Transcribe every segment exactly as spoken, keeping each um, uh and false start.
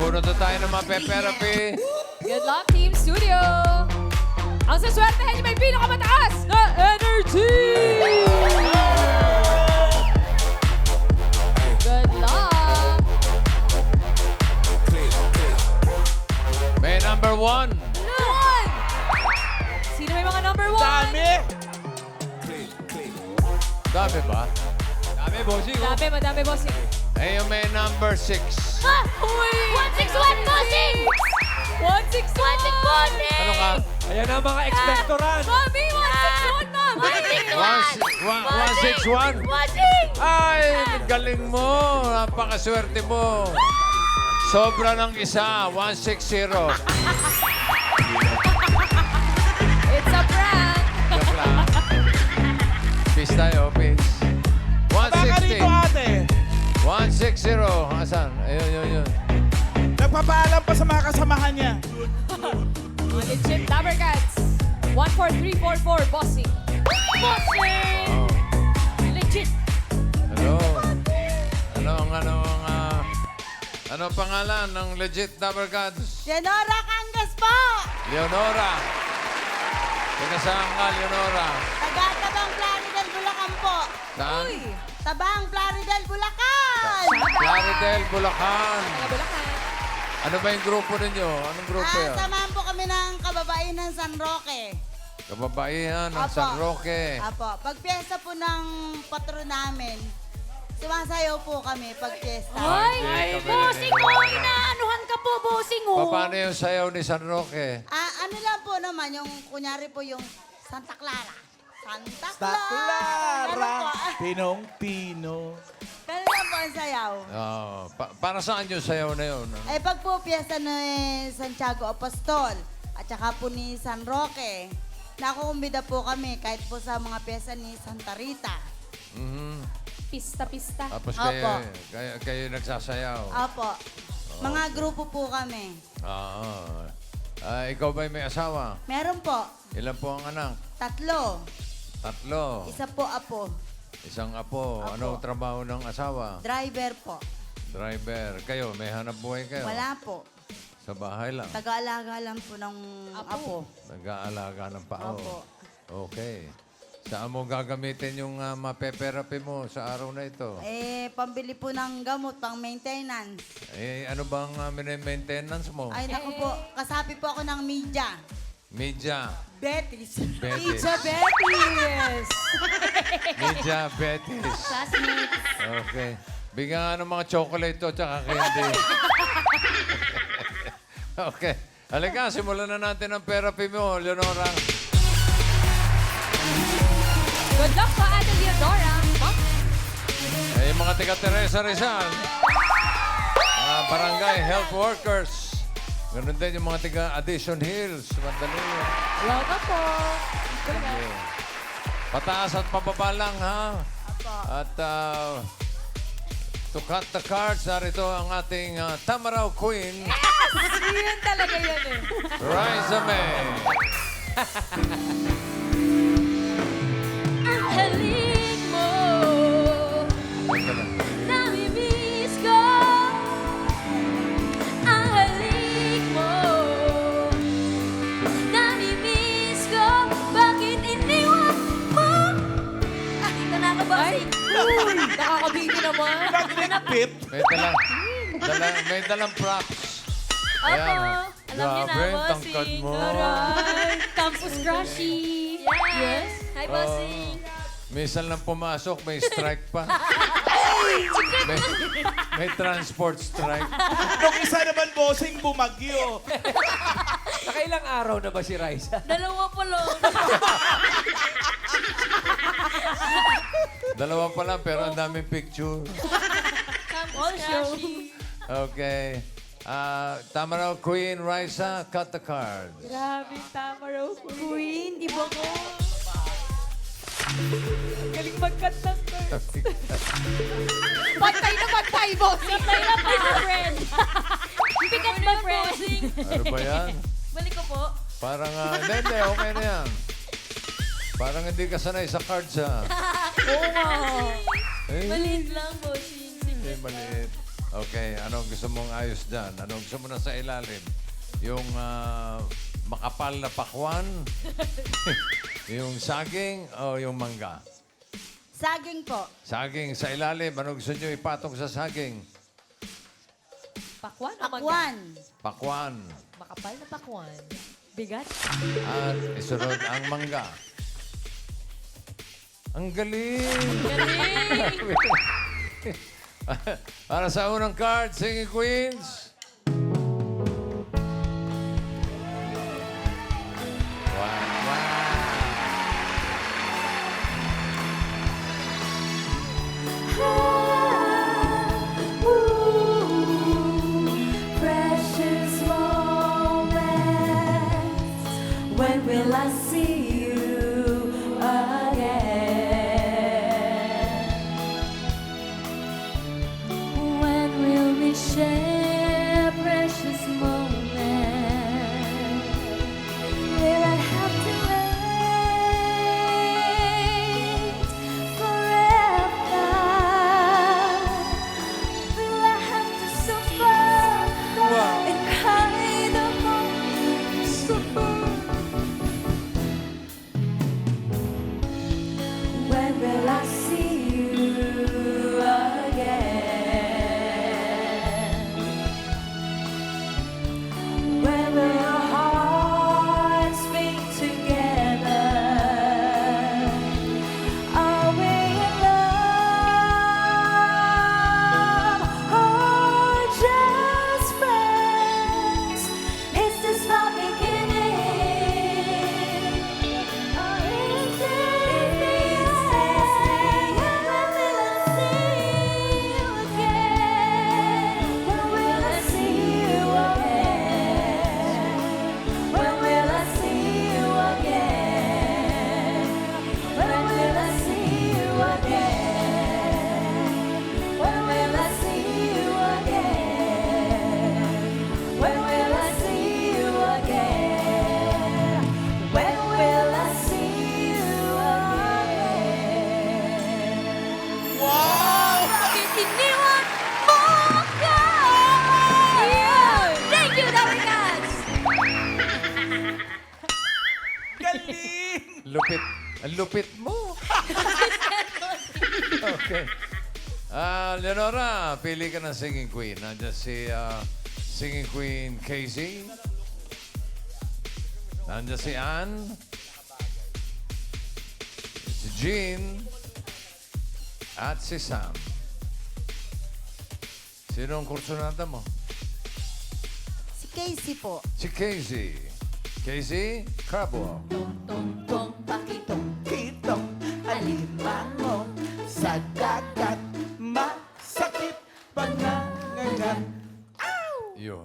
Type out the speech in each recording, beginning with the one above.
Bunot na tayo ng mga pe-therapy. Good luck, Team Studio! Ang saswertehan niyo may pinakamataas na energy! Good luck! May number one. One! Sino may mga number one? Dami! Dami ba? Dami, bossing. oh. Dami, madami, bossing. Ayun, may number six. Ah! Uy! one six one, bossing! one six one! Ano ka? Ayan ang mga expectorant. Mami! one six one, ma'am! one six One, one! si- one, one, six, one. Bossing! Ay, galing mo. Napakaswerte mo. Sobra ng isa. one six zero. It's a prank! Joke lang. Peace tayo, peace. one Baka sixty. rito, ate. one sixty. Asan? Ayun, yun, yun. Nagpapaalam pa sa mga kasamahan niya. Legit Dabber Cats. one four three four four, bossing. Bossing! Oh. Legit. Hello. Ano ang ano ang ah, ano ang pangalan ng legit Dabber Gods? Senora Cangas po! Leonora. Teka saan ka, Leonora? Taga-tabang Plaridel, Bulacan po. Saan? Uy! Tabang Plaridel, Bulacan! Plaridel, Bulacan. Taga Bulacan. Ano ba yung grupo ninyo? Anong grupo Ah, yan? samahan po kami ng kababaihan San Roque. Kababaihan ng Apo. San Roque. Apo, pag piyesta po ng patron namin, sumasayaw po kami pag piyesta. Ay! Ay, Bossing mo! Inaanuhan ka po, bossing mo! Paano yung sayaw ni San Roque? Ah, ano lang po naman, yung kunyari po yung Santa Clara. Santa Sa Clara! Ano po? Clara. Pinong-pino. Ganun lang po ang sayaw. Oh, pa- para saan yung sayaw na yun? Eh, pag po piyesta ni Santiago Apostol at saka po ni San Roque, nakukumbida po kami kahit po sa mga piyesta ni Santa Rita. Mhm. Pista-pista. Tapos Apo. kayo, kayo, kayo nagsasayaw. Apo. Mga grupo po kami. Ah, ah, ikaw ba may asawa? Meron po, Ilan po ang anak? tatlo. Tatlo. Isa po apo. Isang apo. Apo. Anong trabaho ng asawa? Driver po. Driver. Kayo, may hanap buhay kayo? Wala po. Sa bahay lang? Taga-alaga lang po ng Apo. apo. Nag-aalaga ng pao? Opo. Okay. Saan mo gagamitin yung uh, mape-therapy mo sa araw na ito? Eh, pambili po ng gamot, pang maintenance. Eh, ano bang uh, maintenance mo? Ay, naku po, kasapi po ako ng media. Media. Betis. Betis. Pizza Betis! Media Betis. Classmates. Okay. Bigyan nga ng mga chocolate to tsaka candy. Okay. Halika, simulan na natin ang therapy mo, Leonora. Good luck po, Ate Leonora. Eh, yung mga taga Teresa Rizal. Mga barangay health workers. Ganun din yung mga taga Addition Hills. Madali. Welcome po. Okay. Pataas at pababa lang, ha? Apo. At uh, to cut the cards, narito ang ating uh, Tamaraw Queen, Yun talaga yun eh. Riza May. Ang halik mo, Teka lang. namimiss ko. Ang halik mo, namimiss ko. Bakit iniwan mo? Ah, ito na ako, bossing. Uy, nakakabigi naman. Pip. May dalang, dala, may dalang props. Opo, Ayan. alam niyo na, Grabe, bossing. tangkad mo. Aray, campus crushy. Yes. Hi, bossing. Minsan lang pumasok, may strike pa. may, may transport strike. Nung isa naman, bossing, bumagyo. Nakailang araw na ba si Raisa? Dalawa pa lang. Dalawa pa lang, pero ang daming picture. All show. Okay. Uh, Tamaraw Queen, Riza, cut the cards. Grabe, Tamaraw Queen. Iba ko. Galing mag-cut ng cards. Pantay na pantay, boss. Pantay na pantay, friend. Bigat ba, friend? Ano ba yan? Balik ko po. Parang, uh, hindi, hindi, okay na yan. Parang hindi ka sanay sa cards, ha? Oo nga. Eh, Maliit lang, bossing. Hindi, maliit. Okay, anong gusto mong ayos dyan? Anong gusto mo na sa ilalim? Yung ah, makapal na pakwan? Yung saging o yung mangga? Saging po. Saging sa ilalim. Anong gusto nyo ipatong sa saging? Pakwan o mangga? Akwan. Pakwan. Makapal na pakwan. Bigat. At isunod ang mangga. Ang galing! Galing! Para sa unang card, Singing Queens. Wow, wow. Precious moments. When will I see you again? When will we share precious moments? Will I have to wait forever? Will I have to suffer and cry the most suffer? When will I see you again? When will our hearts beat together? Are we in love or just friends? Is this my beginning? Or is this the end? When will I see you again? When will I see you again? When will I see you again? When will I see you again? When will I see you again? When will I see you again? When will I see you again? Wow! Bakit iniwan mo ako? Thank you, Dorikas! Galing! Lupit. Ang lupit mo. Okay. Ah, Leonora, pili ka ng singing queen. Nandiyan si ah, singing queen Casey. Nandiyan si Ann. Si Jean. At si Sam. Sino ang kursunada mo? Si Casey po. Si Casey. Casey Carbo. Tong-tong pakitong Kitong alimango sa dagat, masakit pangangagat. Yun.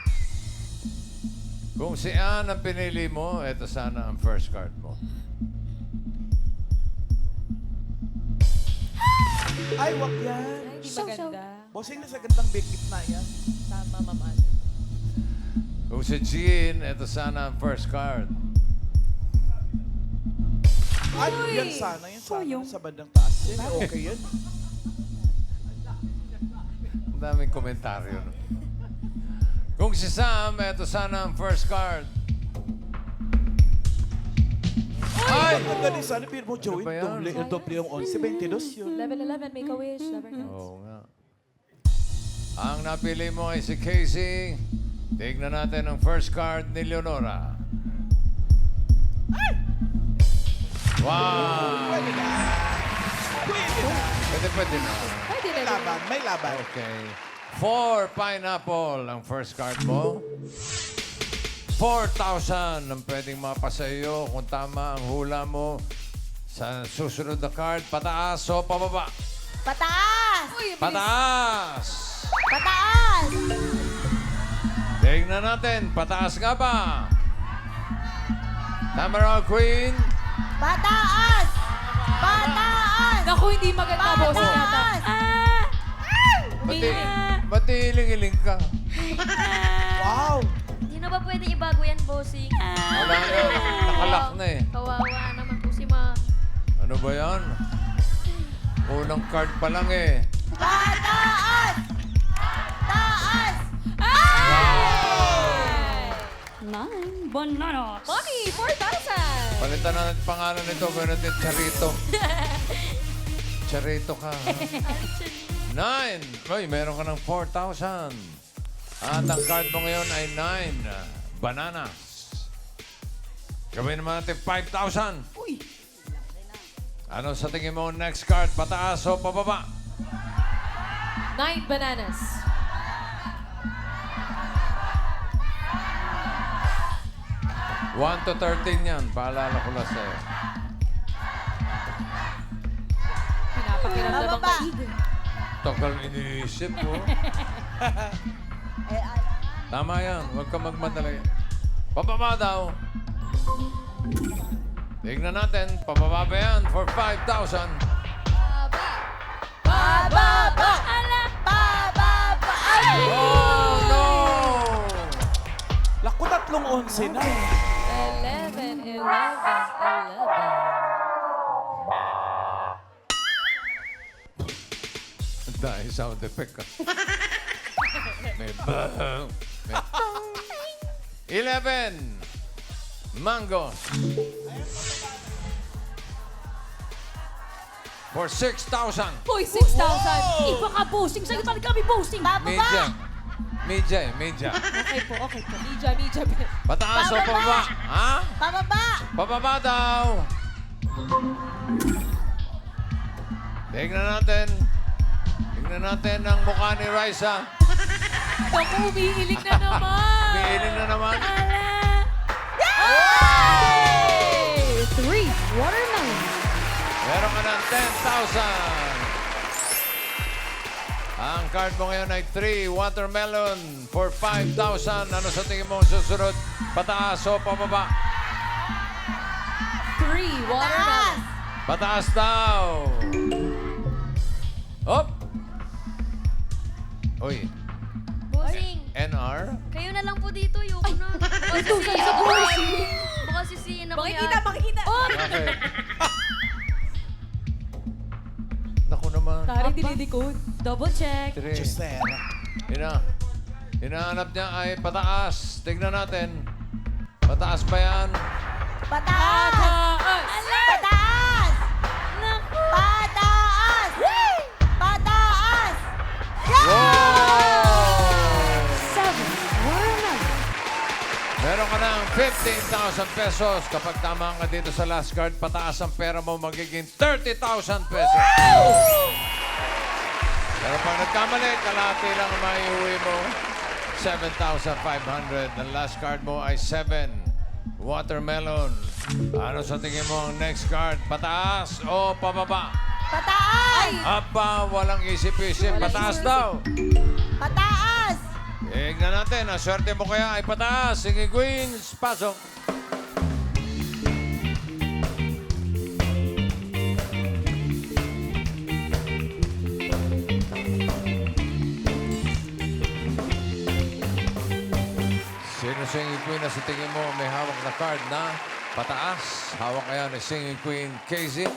Kung si Ann ang pinili mo, eto sana ang first card mo. Ay, wag yan. Ay, di maganda. Bossing na sa gandang bigit na yan. Tama, maman. Kung si Jean, eto sana ang first card. Ay, yan sana. Yan sana. Sa bandang taas. Yan, okay yan. Ang daming komentaryo. No? Kung si Sam, eto sana ang first card. Ay! Ang ganda ni sana. Pero mo, Joey, Ano ba yan? doble, doble yung eleven twenty-two yun. Level eleven, make a wish. Never know. Oo nga. Ang napili mo ay si Casey. Tignan natin ang first card ni Leonora. Wow! Pwede na. Pwede na. Pwede, pwede na. Pwede May na. laban. May laban. Okay. Four pineapple ang first card mo. four thousand ang pwedeng mapasa iyo kung tama ang hula mo sa susunod na card. Pataas o pababa? Pataas! Uy, bilis. Pataas! Pataas! Tingnan natin, pataas nga ba? Tama raw, Queen. Pataas! Pataas! Naku, hindi maganda, boss yata. Pataas! Ah! Bati, bati iling-iling ka. Wow! Hindi na ba pwede ibago yan, bossing? Wala na, nakalak na eh. Kawawa naman po si Ma. Ano ba yan? Unang card pa lang eh. Pataas! Pataas! Nine bananas. Mommy, four thousand. Palitan na natin pangalan nito. Gawin natin Charito. Charito ka. ha? Nine. Uy, meron ka ng four thousand. At ang card mo ngayon ay nine. Bananas. Gawin naman natin five thousand. Uy! Ano sa tingin mo next card? Pataas o pababa? Nine bananas. one to thirteen yan. Paalala ko lang sa'yo. Pinapakiramdam ang Bababa. maigi. Takal iniisip mo. Eh, alam. Tama yan. Huwag ka magmadali. Pababa daw. Tignan natin. Pababa ba yan for five thousand? Pababa! Ala! Pababa! Ay! Oh, no! Laku, tatlong onse na. Eleven, eleven, eleven. Dahil sound effect ka. May bang. May tong. Eleven. Mango. For six thousand. Uy, six thousand. Iba ka, bossing. Sa'yo talaga kami, bossing. Media. Media, eh, media. Okay po, okay po. Mija, mija. Pataas o pababa? Ha? Pababa! Pababa daw. Tignan natin. Tignan natin ang mukha ni Raisa. Naku, umiilig na naman. Piiling na naman. Hey! Three watermelon. Meron ka ng ten thousand. Ang card mo ngayon ay three watermelon for five thousand. Ano sa tingin mo ang susunod? Pataas o pababa? Three watermelon. Pataas daw. Hop! Uy, Bossing, N R? kayo na lang po dito. Yoko na. Baka Ito, sisihin sa ako bossing. yan. Baka sisihin ako Makikita, yan. makikita. Oh! Bakit? Naku naman. Tari, dinidikod. Double check. Three. Jusera. Ina. Hinahanap niya ay pataas. Tignan natin. Pataas ba yan? Pataas! Pataas! Pataas! Naku! Pataas! Pataas! Wow! Seven watermelon. Meron ka ng fifteen thousand pesos. Kapag tama ka dito sa last card, pataas ang pera mo, magiging thirty thousand pesos. Pero pag nagkamali, kalahati lang ang maiuwi mo. seven thousand five hundred. Ang last card mo ay seven. Watermelon. Ano sa tingin mo ang next card? Pataas o pababa? Pataas! Aba, walang isip-isip. Pataas daw. Pataas! Tignan natin, ang swerte mo kaya ay pataas. Sige, Queens, pasok. Sino singing queen na sa tingin mo may hawak na card na pataas? Hawak kaya ni singing queen Casey?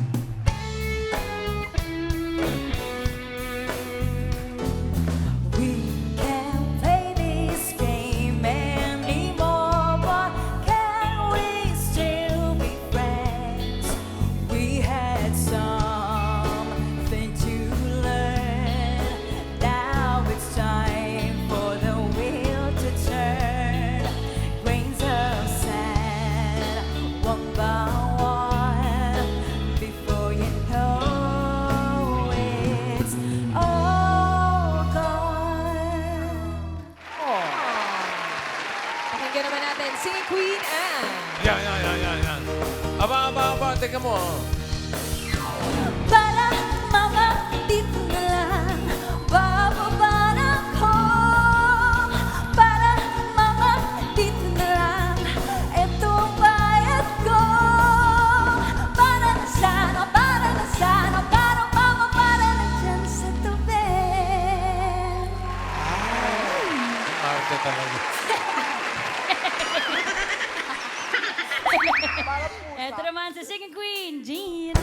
We can't play this game anymore, but can we still be friends? We had something to learn. Now it's time for the wheel to turn. Grains of sand, one by one, before you know it's all gone. Pakinggan naman natin si Queen Anne. Yan, yan, yan, yan, yan. Aba, aba, aba, teka mo. ah. Para mama, dito na lang bababa na ako. Para mama, dito na lang eto ang bayad ko. Para na sana, para na sana, para mama, para na dyan sa tubig. Ang arte talaga. Ito naman sa Singing Queen, Jean.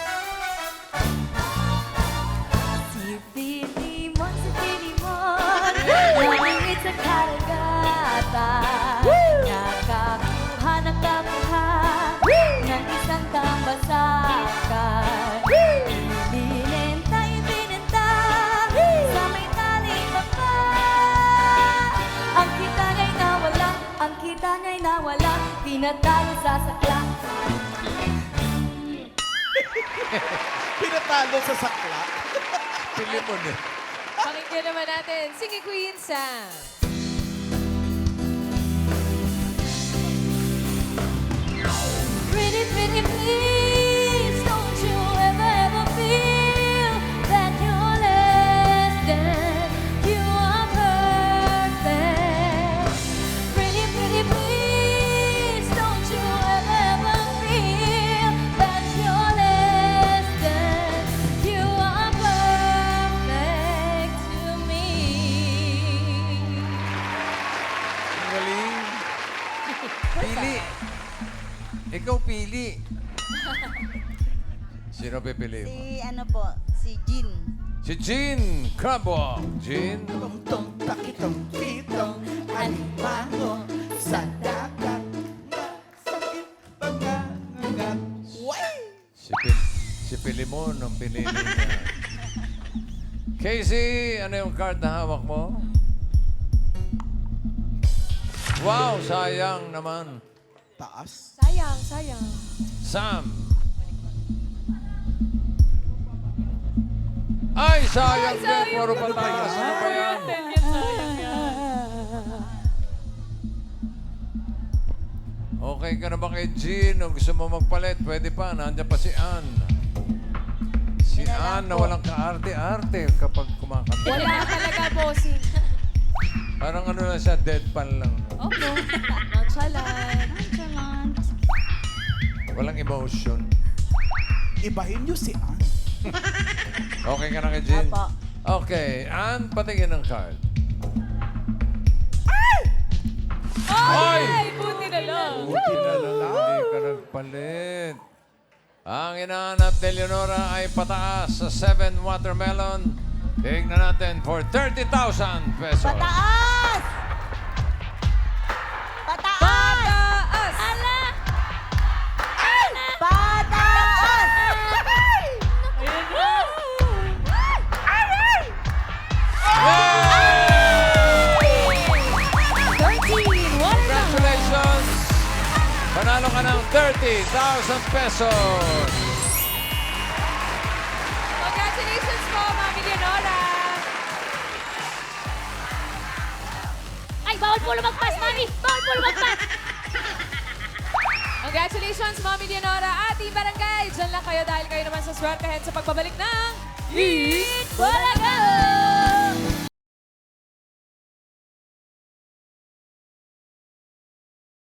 Si Pili mo, si Pili mo, Langit sa karagatan, nakakuha, nakakuha ng isang tambasakan. Ibinenta, ibinenta sa may taling baka. Ang kita niya'y nawala, ang kita niya'y nawala, tinatalo sa sakla. Pinatalo sa sakla. Pili mo na. Pakinggan naman natin. Sige, Queen Sam. Pretty, pretty, please, don't you ever, ever feel that you're less than you are perfect. Pretty, pretty, please, don't you ever, ever feel that you're less than you are perfect to me. Ang galing. Pili. Ikaw pili. Sino pipili mo? Si ano po, si Jean. Si Jean Crabwalk. Jean? Tong-tong, takitong, kitong, alimango sa dagat. Masakit pangangagat. Way! Si, Pil si Pilimon ang pinili niya. Casey, ano yung card na hawak mo? Wow, sayang naman. Taas. Sayang, sayang. Sam. Ay, sayang din. Puro pataas. Ano ba yan? Okay ka na ba kay Jean? O gusto mo magpalit? Pwede pa. Nandiyan pa si Ann. Si Ann na walang kaarte-arte kapag kumakanta. Wala talaga, bossing. Parang ano lang siya, deadpan lang. Opo. Nonchalant. Nonchalant. Walang emotion. Ibahin niyo si Ann. Okay ka na kay Jean? Apo. Okay. Ann, patingin ng card. Ay! Ay, buti na lang. Buti na lang. Hindi ka nagpalit. Ang inaanap ni Leonora ay pataas sa seven watermelon. Tingnan natin for thirty thousand pesos. Pataas! Pataas! Taas! Ala! Pataas! thirteen. What is that? Congratulations! Panalo ka ng thirty thousand pesos. Congratulations po, Mami Leonora. Ay, bawal po lumagpas, Mami! Bawal po lumagpas! Congratulations, Mami Leonora at Team Barangay. Diyan lang kayo dahil kayo naman sa swertehin sa pagbabalik ng Eat Bulaga!